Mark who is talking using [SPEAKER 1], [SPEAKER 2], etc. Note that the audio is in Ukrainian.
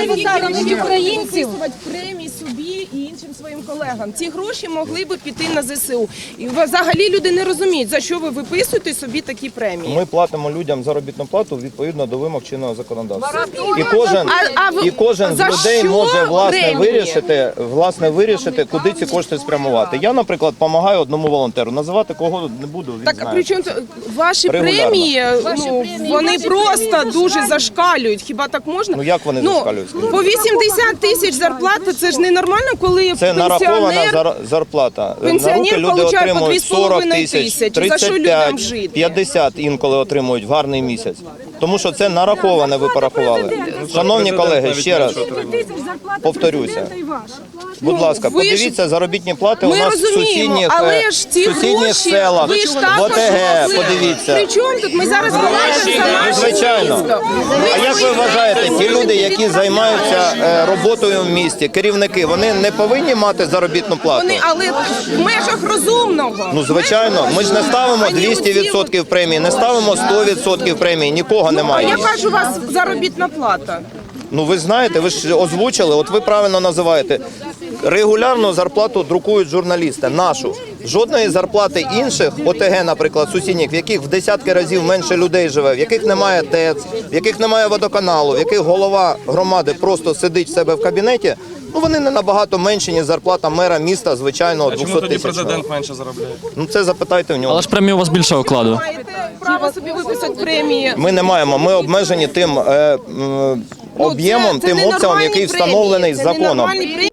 [SPEAKER 1] українців.
[SPEAKER 2] Премії собі і іншим своїм колегам. Ці гроші могли би піти на ЗСУ. І взагалі люди не розуміють, за що ви виписуєте собі такі премії.
[SPEAKER 3] Ми платимо людям заробітну плату відповідно до вимог чинного законодавства. І кожен з людей може власне вирішити, куди ці кошти спрямувати. Я, наприклад, допомагаю одному волонтеру. Називати кого не буду, він
[SPEAKER 2] Так,
[SPEAKER 3] знає.
[SPEAKER 2] причому ваші премії, вони просто дуже зашкалюють. Хіба так можна?
[SPEAKER 3] Ну як вони зашкалюють?
[SPEAKER 2] По 80 тисяч зарплата, це ж ненормально, коли
[SPEAKER 3] Це нарахована зарплата. На руки люди отримують 40 тисяч, 35, 50 інколи отримують в гарний місяць. Тому що це нараховане, ви порахували. Шановні колеги, ще раз повторюся. Будь ласка, подивіться заробітні плати у нас в сусідніх селах, в ОТГ, подивіться.
[SPEAKER 2] Причому тут ми зараз говоримо за наше
[SPEAKER 3] Звичайно.
[SPEAKER 2] місто.
[SPEAKER 3] А як ви вважаєте, ті люди, які займаються роботою в місті, керівники, вони не повинні мати заробітну плату?
[SPEAKER 2] Але в межах розумного.
[SPEAKER 3] Ну, звичайно, ми ж не ставимо 200% премії, не ставимо 100% премії, нікого
[SPEAKER 2] А
[SPEAKER 3] немає.
[SPEAKER 2] яка ж у вас заробітна плата?
[SPEAKER 3] Ну, ви знаєте, ви ж озвучили, от ви правильно називаєте. Регулярно зарплату друкують журналісти, нашу. Жодної зарплати інших, ОТГ, наприклад, сусідніх, в яких в десятки разів менше людей живе, в яких немає ТЕЦ, в яких немає водоканалу, в яких голова громади просто сидить в себе в кабінеті, ну вони не набагато менші, ніж зарплата мера міста, звичайного 200
[SPEAKER 4] Чому тоді
[SPEAKER 3] тисячного.
[SPEAKER 4] президент менше заробляє?
[SPEAKER 3] Ну це запитайте в нього.
[SPEAKER 5] Але ж премії у вас більше окладу.
[SPEAKER 2] Маєте право собі виписати премії.
[SPEAKER 3] Ми не маємо, ми обмежені тим об'ємом,
[SPEAKER 2] Це
[SPEAKER 3] тим обсягом,
[SPEAKER 2] ненормальні
[SPEAKER 3] який
[SPEAKER 2] премії,
[SPEAKER 3] встановлений
[SPEAKER 2] це
[SPEAKER 3] законом.
[SPEAKER 2] ненормальні премії.